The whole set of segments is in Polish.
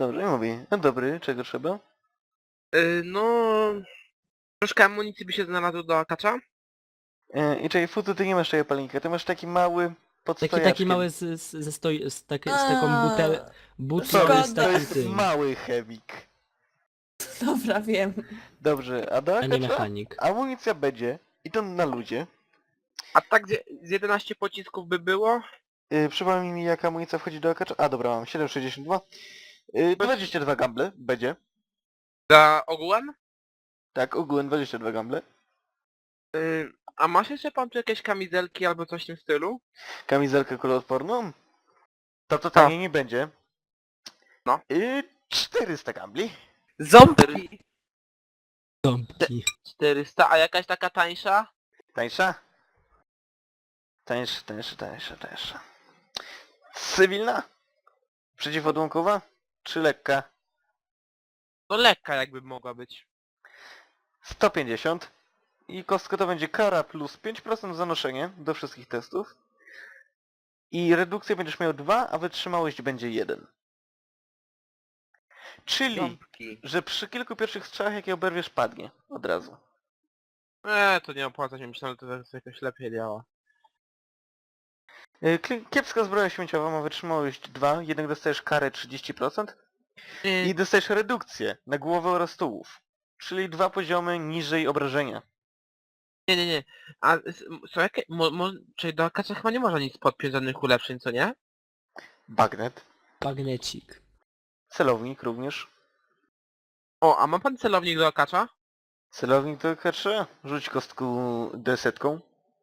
Dobrze, mówię. No dobry, czego trzeba? No... Troszkę amunicji by się znalazło do akacza? I czekaj, Futu, ty nie masz tego palnika, ty masz taki mały pod Taki stojaczkiem. mały z taką butlą Sorry, z Szkoda. to takim jest tym, mały chemik. Dobra, wiem. Dobrze, a do a nie akacza mechanik. amunicja będzie i to na ludzie. A tak z 11 pocisków by było? Przypomnij mi, jaka amunicja wchodzi do akacza. A dobra, mam 7,62. 22 gamble będzie. Za ogółem? Tak, ogółem 22 gamble. A masz jeszcze pan tu jakieś kamizelki albo coś w tym stylu? Kamizelkę kuloodporną. To taniej nie będzie. No. 400 gambli. Ząbki. Ząbki. 400, a jakaś taka tańsza? Tańsza? Tańsza. Cywilna? Przeciwodłamkowa? Czy lekka? No lekka jakby mogła być. 150. I kostka to będzie kara plus 5% za noszenie do wszystkich testów. I redukcję będziesz miał 2, a wytrzymałość będzie 1. Czyli, Ząbki. że przy kilku pierwszych strzałach jakie oberwiesz padnie od razu. To nie opłaca się, myślałem, że to jakoś lepiej działa. Kiepska zbroja śmieciowa ma wytrzymałość 2, jednak dostajesz karę 30% i I... dostajesz redukcję na głowę oraz tułów. Czyli 2 poziomy niżej obrażenia. Nie. A są jakie... Czyli do akacza chyba nie można nic podpiąć, żadnych ulepszeń, co nie? Bagnet. Magnecik. Celownik również. O, a ma pan celownik do akacza? Celownik to kacze. Rzuć kostką D-setką.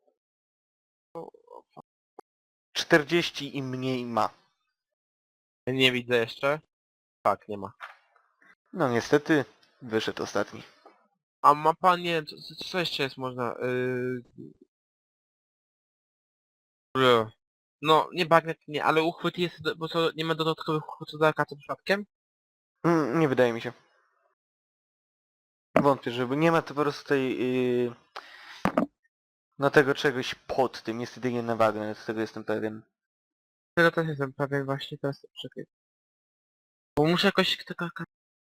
40 i mniej ma. Nie widzę jeszcze. Tak, nie ma. No niestety, wyszedł ostatni. A ma pan, nie wiem, co jeszcze jest można... No, nie bagnet, nie, ale uchwyt jest, bo co, nie ma dodatkowych uchwytów do akacza przypadkiem? Nie wydaje mi się. Wątpię, żeby nie ma to po prostu tej... no tego czegoś pod tym. Jest jedynie na bagnet, z tego jestem pewien. Tego też jestem pewien właśnie, teraz czekaj. Bo muszę jakoś tego...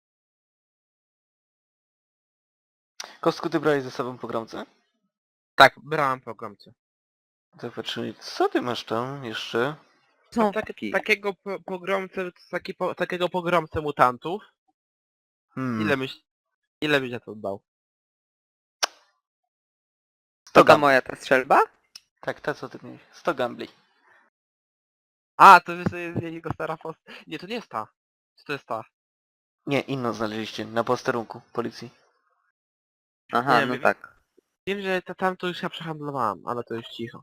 Kostku, ty brałeś ze sobą pogromcę? Tak, brałem programce. To patrzymy, co ty masz tam jeszcze? Ząbki. Takiego pogromcę, takiego pogromcę mutantów. Ile byś na to dał? To To moja ta strzelba? Tak, ta co ty miałeś. 100 gambli. A, to jest jego stara post... Nie, to nie jest ta. Czy to jest ta? Nie, inną znaleźliście na posterunku policji. Aha, Nie, no wiem. tak. Wiem, że tam to już ja przehandlowałem, ale to już cicho.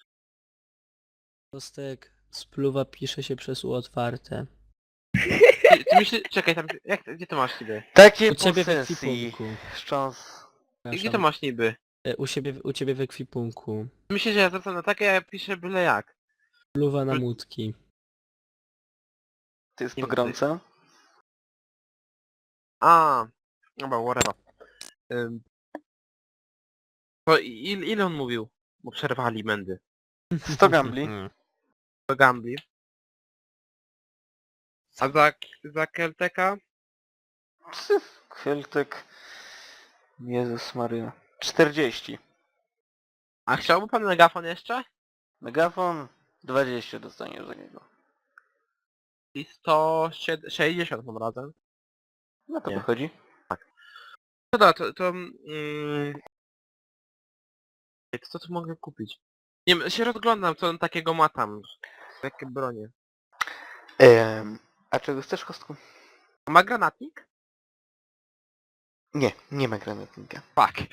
Kostek, spluwa pisze się przez U otwarte. Ty myślisz... Czekaj, tam... Gdzie to masz niby? Takie U ciebie w posesji. ekwipunku. Szcząs. Gdzie to masz niby? U ciebie w ekwipunku. Myślę, że ja zwracam na takie, a ja piszę byle jak. Spluwa na mutki. To jest Nie pogromca. A, dobra, whatever. To ile on mówił? Bo przerwali mędy. 100 gambli. To Gambli. A za Kelteka? Keltek. Jezus Maria. 40. A chciałby pan megafon jeszcze? Megafon 20 dostaniesz za niego. I 160 tym razem. No to Nie. wychodzi. No dobra, co tu mogę kupić? Nie wiem, się rozglądam, co on takiego ma tam. Jakie bronie. A czego chcesz, kostku? Ma granatnik? Nie, nie ma granatnika. Fuck.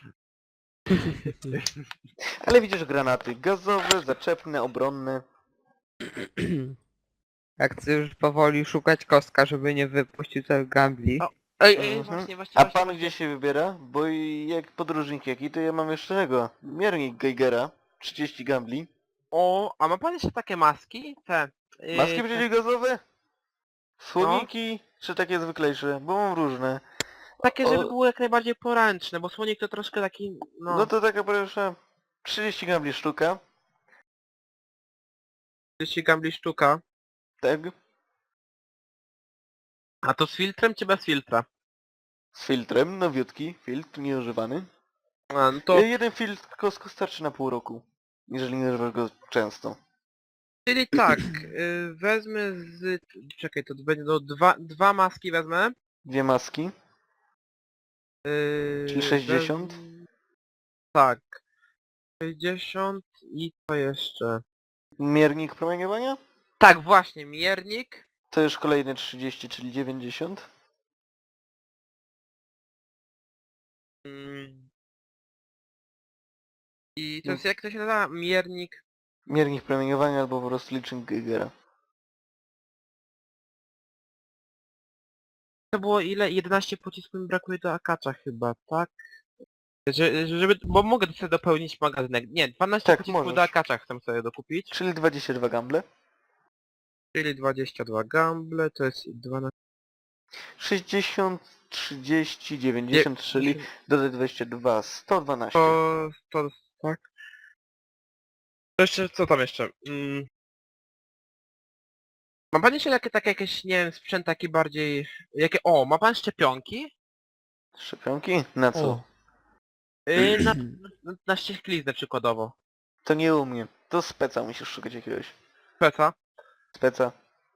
Ale widzisz granaty gazowe, zaczepne, obronne. Jak chcę już powoli szukać kostka, żeby nie wypuścił tych gambli. O, Ej, Mhm. właśnie. A pan gdzie się wybiera? Bo jak podróżnik jaki, to ja mam jeszcze tego. Miernik Geigera. 30 gambli. O, a ma pan jeszcze takie maski? Te... Maski przeciwgazowe? Słoniki? Czy takie zwyklejsze? Bo mam różne. Takie, żeby O- było jak najbardziej poręczne, bo słonik to troszkę taki, No to taka proszę. 30 gambli sztuka. 30 gambli sztuka. Tak. A to z filtrem czy bez filtra? Z filtrem, nowiutki, filtr nieużywany. A, no to... Jeden filtr Costco starczy na pół roku, jeżeli nie używasz go często. Czyli tak, wezmę z... Czekaj, to będzie dwa maski wezmę. Dwie maski, czyli 60. Tak. 60 i co jeszcze? Miernik promieniowania? Tak, właśnie, miernik. To już kolejne 30, czyli 90. Mm, I to jest, jak to się nazywa? Miernik. Miernik promieniowania albo po prostu licznik Geigera. To było ile? 11 pocisków mi brakuje do akacza chyba, tak? Bo mogę sobie dopełnić magazynek. Nie, 12 Tak, pocisków możesz. do akacza chcę sobie dokupić. Czyli 22 gamble. Czyli 22 gamble, to jest 12... 60, 30, 90, czyli dodaj 22, 112. To tak. To jeszcze, co tam jeszcze? Ma pan jeszcze takie jakieś, nie wiem, sprzęt taki bardziej... ma pan szczepionki? Szczepionki? Na co? O, Na, na ścieżkliznę przykładowo. To nie u mnie. To speca musisz szukać jakiegoś. Peca? Speca.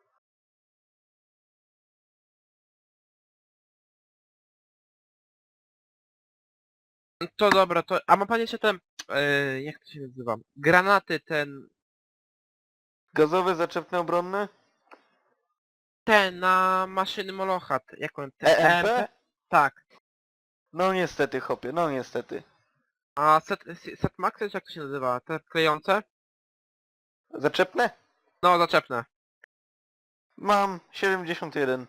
To dobra, to... A ma pan jeszcze ten... jak to się nazywa? Granaty ten... Gazowe, zaczepne, obronne? Ten na maszyny Molochat. Jak on... Ten EMP? Tak. No niestety, chopie, no niestety. A set Max, jak to się nazywa? Te klejące? Zaczepne? No, zaczepne. Mam 71.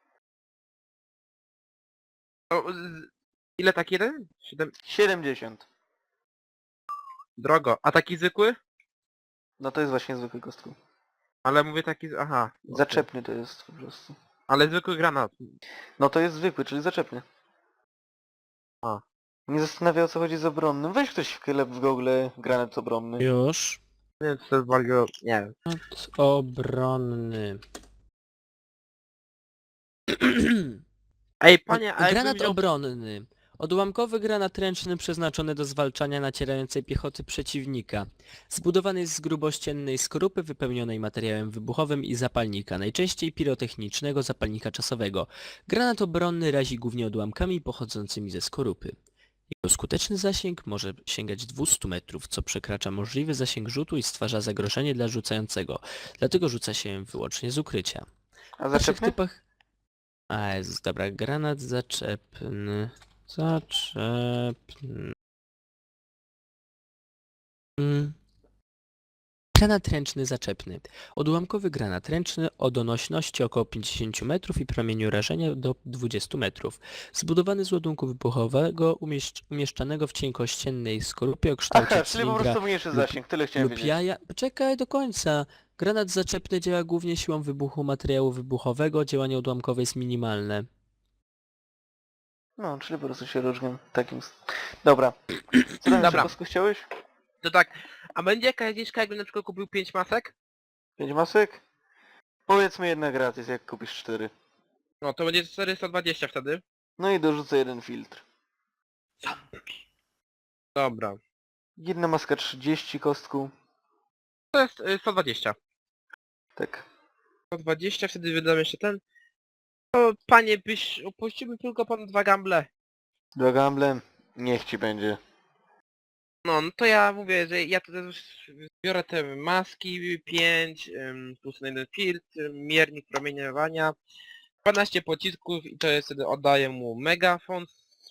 Ile taki jeden? 7... 70. Drogo. A taki zwykły? No to jest właśnie zwykły kostku. Ale mówię taki... Aha. okej. Zaczepny to jest po prostu. Ale zwykły granat. No to jest zwykły, czyli zaczepny. A. Nie zastanawia, o co chodzi z obronnym. Weź ktoś wklep w Google granat obronny. już. Nie wiem, co to jest bardzo... Nie wiem. Granat obronny. Ej, panie, a jakbym Granat wziął... obronny. Odłamkowy granat ręczny przeznaczony do zwalczania nacierającej piechoty przeciwnika. Zbudowany jest z grubościennej skorupy wypełnionej materiałem wybuchowym i zapalnika, najczęściej pirotechnicznego zapalnika czasowego. Granat obronny razi głównie odłamkami pochodzącymi ze skorupy. Jego skuteczny zasięg może sięgać 200 metrów, co przekracza możliwy zasięg rzutu i stwarza zagrożenie dla rzucającego. Dlatego rzuca się wyłącznie z ukrycia. A W pierwszych zaczepny? typach... A, jest, dobra, granat zaczepny. Zaczepny. Granat ręczny zaczepny. Odłamkowy granat ręczny o donośności około 50 metrów i promieniu rażenia do 20 metrów. Zbudowany z ładunku wybuchowego umieszczanego w cienkościennej skorupie o kształcie Aha, czyli po cylindra prostu mniejszy lub- zasięg, tyle chciałem lub wiedzieć. jaja... Czekaj do końca. Granat zaczepny działa głównie siłą wybuchu materiału wybuchowego, działanie odłamkowe jest minimalne. No, czyli po prostu się różnią takim... Dobra. Co tam jeszcze Dobra. kostku chciałeś? To tak, a będzie jakaś zniżka, jakbym na przykład kupił 5 masek? 5 masek? Powiedzmy jedna gratis, jak kupisz 4. No to będzie 420 wtedy. No i dorzucę jeden filtr. Dobra. Jedna maska 30 kostku. To jest 120. Tak. 120, wtedy wydam jeszcze ten. To panie, opuściłbym tylko pan 2 gamble. Dwa gamble. Niech ci będzie. No to ja mówię, że ja tutaj już biorę te maski 5, plus jeden filtr, miernik promieniowania, 12 pocisków i to jest wtedy oddaję mu megafon,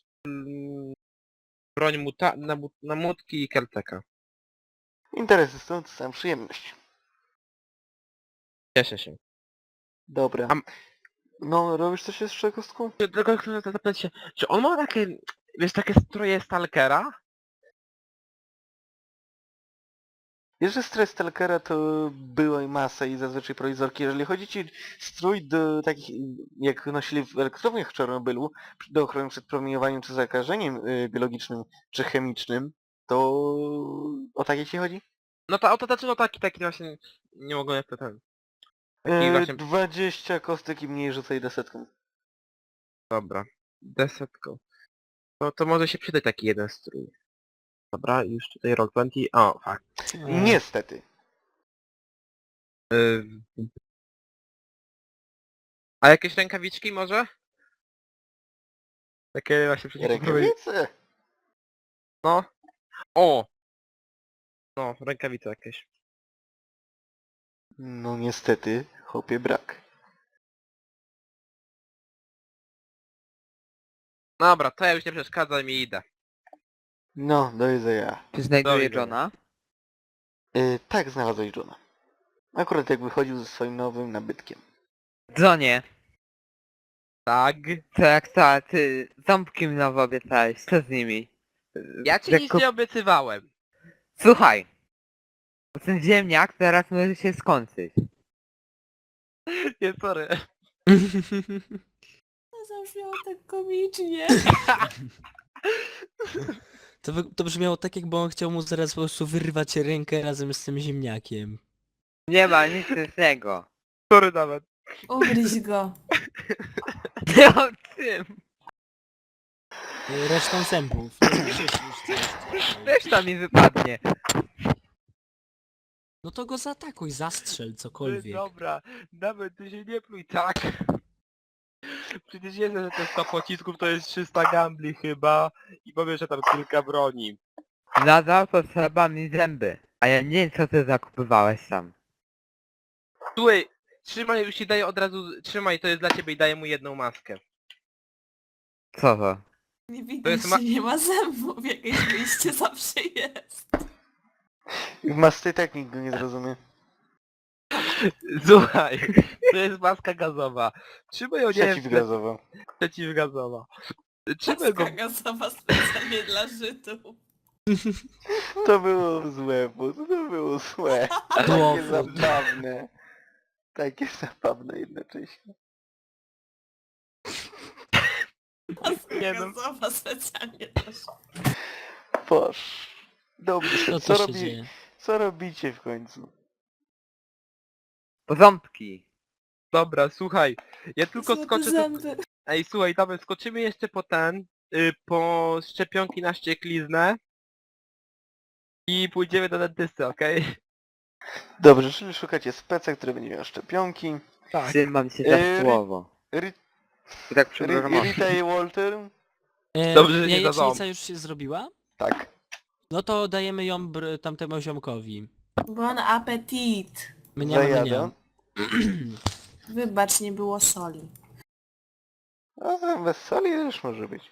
broń na młotki i kelteka. Interesy są, to sam przyjemność. Cieszę się. Dobra. Am- No, robisz coś jeszcze kostku? Tylko chcę zapytać się, czy on ma takie, wiesz, takie stroje stalkera? Wiesz, że stres Stalkera to było i masa i zazwyczaj prowizorki. Jeżeli chodzi ci strój do takich, jak nosili w elektrowniach w Czarnobylu, do ochrony przed promieniowaniem czy zakażeniem biologicznym czy chemicznym, to o takie ci chodzi? No to o to znaczy, no taki właśnie, nie mogę jak to ten. Taki właśnie... 20 kostek i mniej rzucaj desetką. Dobra. Desetką. No to może się przydać taki jeden strój. Dobra, już tutaj Roll20. O, fuck. Niestety. A jakieś rękawiczki może? Takie właśnie przeciwbólowe. Rękawice. No. O! No, rękawice jakieś. No niestety, chłopie, brak. Dobra, to ja już nie przeszkadzam i idę. No, do jedzenia. Czy znajduje Dobra. Johna? Tak, znalazłeś Johna. Akurat jak wychodził ze swoim nowym nabytkiem. Johnie, Tak. to jak to, ty ząbki mi nowo obiecałeś, co z nimi? Ja ci Jak nic kup- nie obiecywałem. Słuchaj! Bo ten ziemniak teraz może się skończyć. Nie, sorry. To zabrzmiało tak komicznie. To brzmiało tak, jakby on chciał mu zaraz po prostu wyrwać rękę razem z tym ziemniakiem. Nie ma nic śmiesznego. Sorry nawet. Ugryź go. Nie o tym! Resztą zębów. Nie krzycz coś. Reszta mi wypadnie. No to go zaatakuj, zastrzel cokolwiek. Dobra, nawet ty się nie pluj tak. Przecież wiesz, że te 100 pocisków to jest 300 gambli chyba i powiem, że tam kilka broni. Nadal potrzeba mi zęby. A ja nie wiem co ty zakupywałeś sam. Słuchaj, trzymaj, już ci daję od razu, trzymaj, to jest dla ciebie i daję mu jedną maskę. Co to? Nie To widać, jest że nie ma zębów. Jakieś wyjście zawsze jest. Masty i tak nikt go nie zrozumie. Słuchaj, to jest maska gazowa. Trzymaj ją, nie wiem, Przeciwgazowo. przeciwgazowa. Trzymaj go, Maska gazowa specjalnie dla Żydów. To było złe, bo to było złe. Takie Dłowo. zabawne. Takie zabawne jednocześnie. Maska Nie no. gazowa specjalnie dla Żydów. Boż. Dobrze, Co co, to się dzieje? co robicie w końcu? Ząbki. dobra, słuchaj, ja tylko Złote skoczę... zęby. Ej, słuchaj, dawaj, skoczymy jeszcze po ten, po szczepionki na ściekliznę i pójdziemy do dentysty, okej? Dobrze, czyli szukacie speca, który będzie miał szczepionki. Tak. Trzymam się Ry- za słowo. Ry- I tak przepraszam. Rita i Walter? Dobrze, że nie Jajecznica dadzą. już się zrobiła? Tak. No to dajemy ją tamtemu ziomkowi. Bon appetit. My nie mamy, nie Zajada. mamy. Wybacz, nie było soli. A bez soli też może być.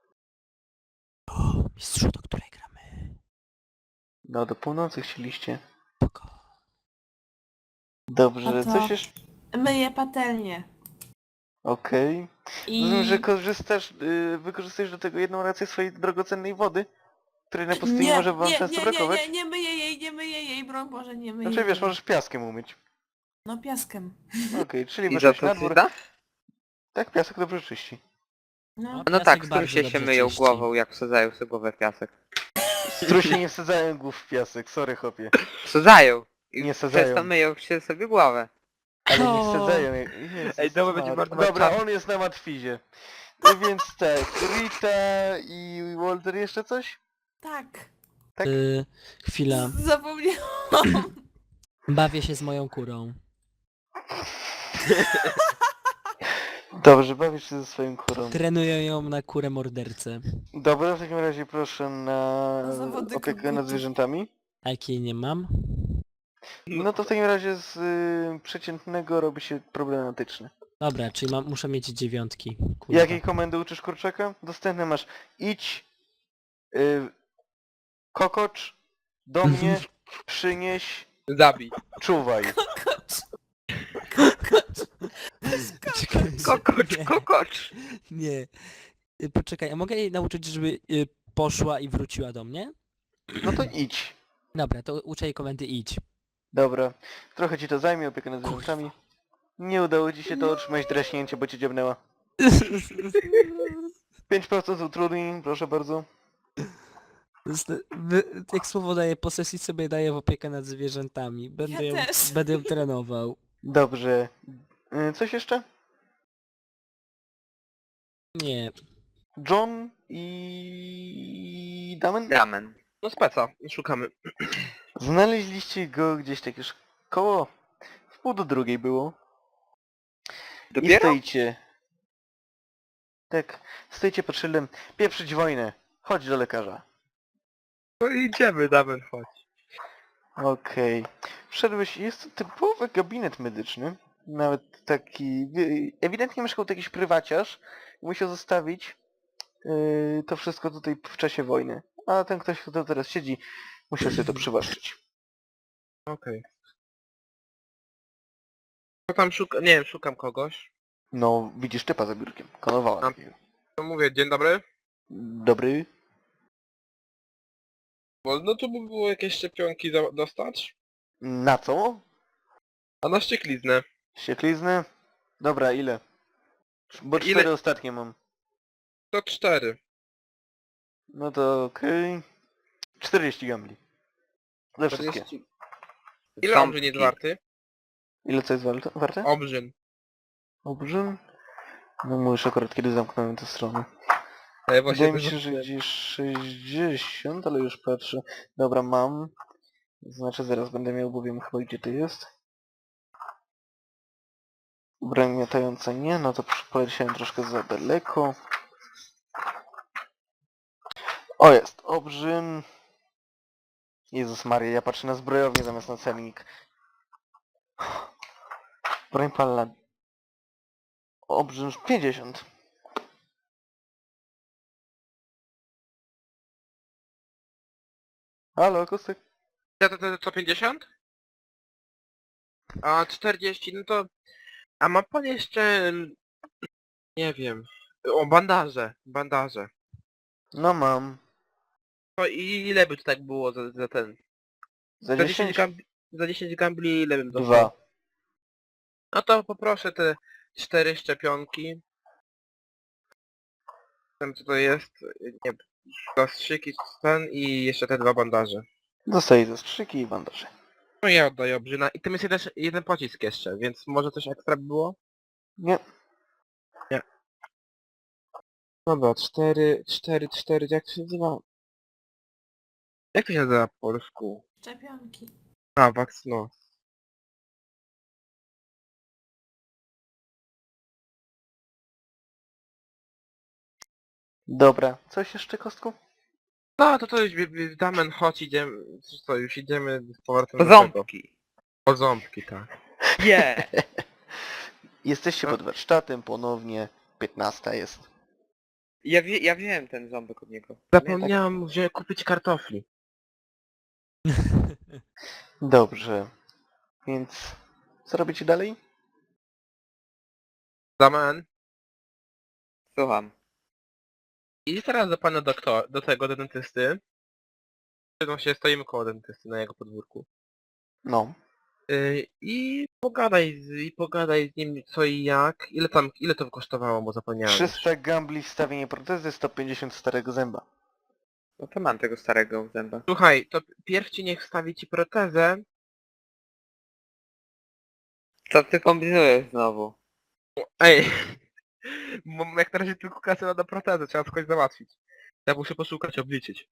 Mistrzu, do której gramy? No do północy chcieliście. Spoko. Dobrze, A to- coś jeszcze? Myję patelnię. Okej. I... Rozumiem, że wykorzystujesz do tego jedną rację swojej drogocennej wody, której na pustyni może wam często brakować. nie myję jej, broń Boże, nie myję Znaczy wiesz, jej. możesz piaskiem umyć. No piaskiem. Okej, czyli I za wyszłeś to na dwór. czyta? Tak, piasek dobrze czyści. No. No Piasek tak, bardzo strusie dobrze się myją czyści. głową jak wsadzają sobie głowę w piasek. Strusie nie wsadzają głów w piasek, sorry chłopie. Wsadzają! I Nie przez wsadzają. to myją się sobie głowę. Ale nie O. wsadzają. Ej, dobra, będzie bardzo Dobra, czas. on jest na matwizie. Więc tak, Rita i Walter jeszcze coś? Tak. Tak? Chwila. Zapomniałam. Bawię się z moją kurą. Dobrze, bawisz się ze swoim kurą. Trenuję ją na kurę mordercę. Dobra, w takim razie proszę na Zawody opiekę nad kogutów. zwierzętami. A jakiej nie mam? No to w takim razie z przeciętnego robi się problematyczny. Dobra, czyli muszę mieć 9. Kurwa. Jakiej komendy uczysz kurczaka? Dostępne masz idź, kokocz, do mnie, przynieś, Zabij. czuwaj. Kokocz. Czekaj, Kokocz, nie, kokocz! nie. Poczekaj, a mogę jej nauczyć, żeby poszła i wróciła do mnie? No to idź. Dobra, to uczę jej komendy idź. Dobra, trochę ci to zajmie, opiekę nad zwierzętami. Nie udało ci się to otrzymać draśnięcie, bo cię dziabnęła. 5% utrudnień, proszę bardzo. Jak słowo daję posesji, sobie daję w opiekę nad zwierzętami. Ja też. Będę ją trenował. Dobrze. Coś jeszcze? Nie. John i... Damen? Ramen. No speca, szukamy. Znaleźliście go gdzieś tak już koło... W pół do drugiej było. I Dopiero? stoicie. Tak, stoicie pod szyldem. Pieprzyć wojnę. Chodź do lekarza. No idziemy, Damen, chodź. Okej. Wszedłeś, jest to typowy gabinet medyczny. Nawet taki... Ewidentnie mieszkał tu jakiś prywaciarz i musiał zostawić to wszystko tutaj w czasie wojny. A ten ktoś, kto teraz siedzi, musiał sobie to przywłaszczyć. Okej. Co tam szukam? Nie wiem, szukam kogoś. No, widzisz typa za biurkiem. Konowała. A- To mówię, dzień dobry. Dobry. Wolno tu by było jakieś szczepionki dostać? Na co? A na ściekliznę. Ścieklizny? Dobra, ile? Bo Ile? 4 ostatnie mam. To 4. No to okej. 40 gambli. Za wszystkie. 40. Ile obrzyn jest warty? Ile co jest warte? Obrzyn. Obrzyn? No mówisz akurat kiedy zamknąłem tę stronę. Ja właśnie Wydaje mi też się, że zobaczyłem. gdzieś 60, ale już patrzę. Dobra, mam. Znaczy zaraz będę miał, bo wiem chyba gdzie to jest. Broń miotająca nie, no to poleciałem troszkę za daleko. O jest, obrzyn. Jezus Maria, ja patrzę na zbrojownię zamiast na celnik. Broń palna. Obrzyn 50. Halo, Kostek? Ja to 50? A 40, no to... A ma pan jeszcze... Nie wiem... O, bandaże. Bandaże. No mam. No i ile by to tak było za ten... Za Za 10? 10 gambli, za 10 gambli ile bym dostał? 2. No to poproszę te 4 szczepionki. Ten co to jest? Nie, zastrzyki ten i jeszcze te 2 bandaże. Dostaję zastrzyki i bandaże. No ja oddaję obrzyna. I tym jest jeden pocisk jeszcze, więc może coś ekstra by było? Nie. Dobra, 4, jak to się nazywa? Jak to się nazywa po polsku? Szczepionki. A, no. Dobra. Coś jeszcze, Kostku? No to już Damen, chodź, idziemy, co, już idziemy z powrotem Po do tego. ząbki. Po ząbki, tak. Nie. Jesteście pod warsztatem ponownie. 15 jest. Ja wziąłem ten ząbek od niego. Zapomniałem kupić kartofli. Dobrze. Więc co robicie dalej? Damen, Słucham. idź teraz do pana doktora, do dentysty. No się stoimy koło dentysty na jego podwórku. No. I pogadaj z nim co i jak. Ile to kosztowało, bo zapomniałem. 300 gambli wstawienie protezy, 150 starego zęba. No to mam tego starego zęba. Słuchaj, to pierw ci niech wstawi ci protezę. Co ty kombinujesz znowu? Ej, bo jak na razie tylko kasę na protezę, trzeba coś załatwić. Ja muszę poszukać, obliczyć.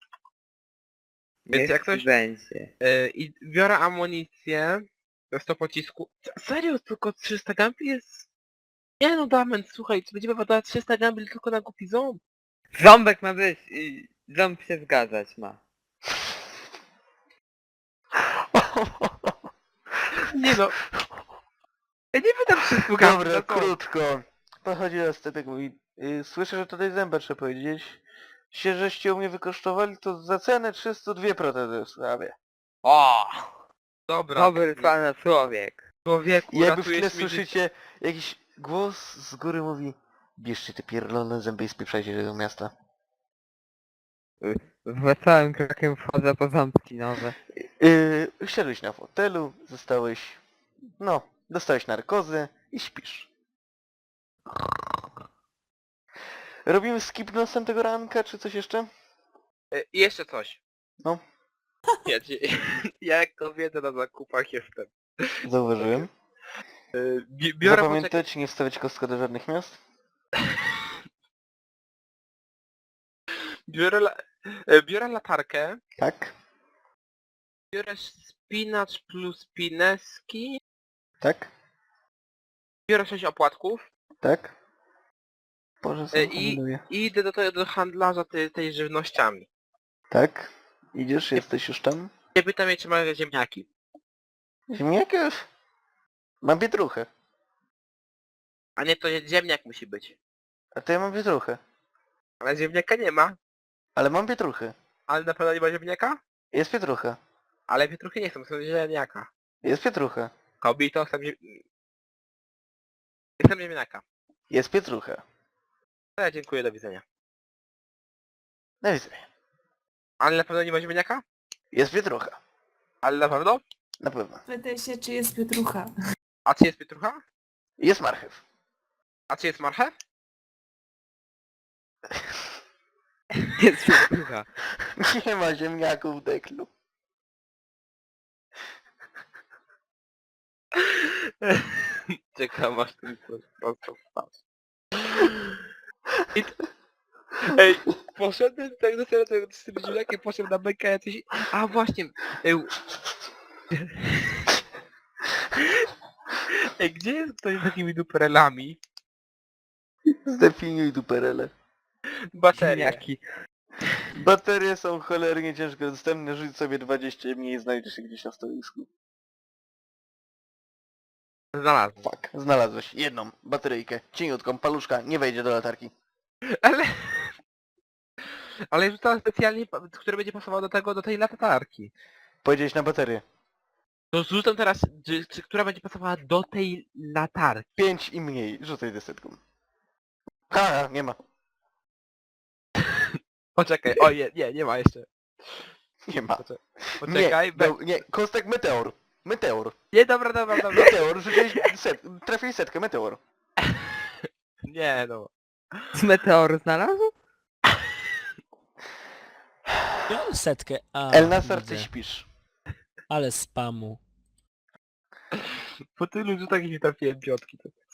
Więc Niech jak coś- będzie. I biorę amunicję. To jest to pocisku. Serio, tylko 300 gambli jest... Nie no, Damen, słuchaj, będziemy wydawać 300 gambli tylko na głupi ząb. Ząbek ma być i ząb się zgadzać ma. Nie no. Ja nie wydam 300 gambli Dobra, na ząb. krótko. Podchodzi następek mówi. Słyszę, że tutaj zęba trzeba powiedzieć. Się, żeście u mnie wykosztowali, to za cenę 302 protezy w sprawie. O! Dobra. Dobry pana człowiek. Człowieku, I jakby w ratujesz tle mi życie. słyszycie jakiś głos z góry mówi: bierzcie te pierdolone zęby i spieprzajcie się do miasta. Wesołym krokiem wchodzę po ząbki nowe. Siadłeś na fotelu, zostałeś... No, dostałeś narkozę i śpisz. Robimy skip do następnego ranka, czy coś jeszcze? I jeszcze coś. No. Ja, ja jak kobieta na zakupach jestem. Zauważyłem. Biorę, Zapamiętać, nie wstawiać kostka do żadnych miast. biorę latarkę, Tak, biorę spinacz plus pineski, tak, biorę 6 opłatków tak. Boże, sam i kombinuję. idę do handlarza tej żywnościami. Tak, idziesz, jesteś już tam. Nie pytam mnie, czy ma ziemniaki. Ziemniaki? Mam pietruchę. A nie, to ziemniak musi być. A to ja mam pietruchę. Ale ziemniaka nie ma. Ale mam pietruchę. Ale na pewno nie ma ziemniaka? Jest pietrucha. Ale pietruchy nie chcą, są ziemniaka. Jest pietrucha. Kobito, chcę ziemniaka. Jest pietrucha. To ja dziękuję, do widzenia. Do widzenia. Ale na pewno nie ma ziemniaka? Jest pietrucha. Ale na pewno? Na pewno. Pytaj się, czy jest pietrucha. A czy jest pietrucha? Jest marchew. A czy jest marchew? Jest pietrucha. Nie ma ziemniaków w deklu. Czekam aż ten coś prosto wpadł. Ej, poszedłem tak do tego z tym ziemniakiem, poszedłem na bekę jacyś... A właśnie... Ej, gdzie jest ktoś z takimi duperelami? Zdefiniuj duperele. Baterie. Ziemniaki. Baterie są cholernie ciężko dostępne. Rzuć sobie 20 mniej, znajdziesz się gdzieś na stoisku. Znalazłem. Fuck. Znalazłeś jedną bateryjkę. Cieniutką, paluszka, nie wejdzie do latarki. Ale... Ale rzucałem specjalnie, który będzie pasował do tej latarki. Powiedziałeś na baterię. To rzucam teraz, która będzie pasowała do tej latarki. 5 i mniej. Rzucaj desetką. Ha, nie ma. Poczekaj, o nie ma jeszcze. Nie ma. Poczekaj, Nie, kostek meteor. Meteor. nie, dobra. Meteor, rzuciłeś trafiłeś setkę, meteor. Nie no. Z meteoru znalazł? Miałem setkę, a Elnasar, ty widzę. śpisz. Ale spamu. Po tylu rzutach nie trafiłem piątki.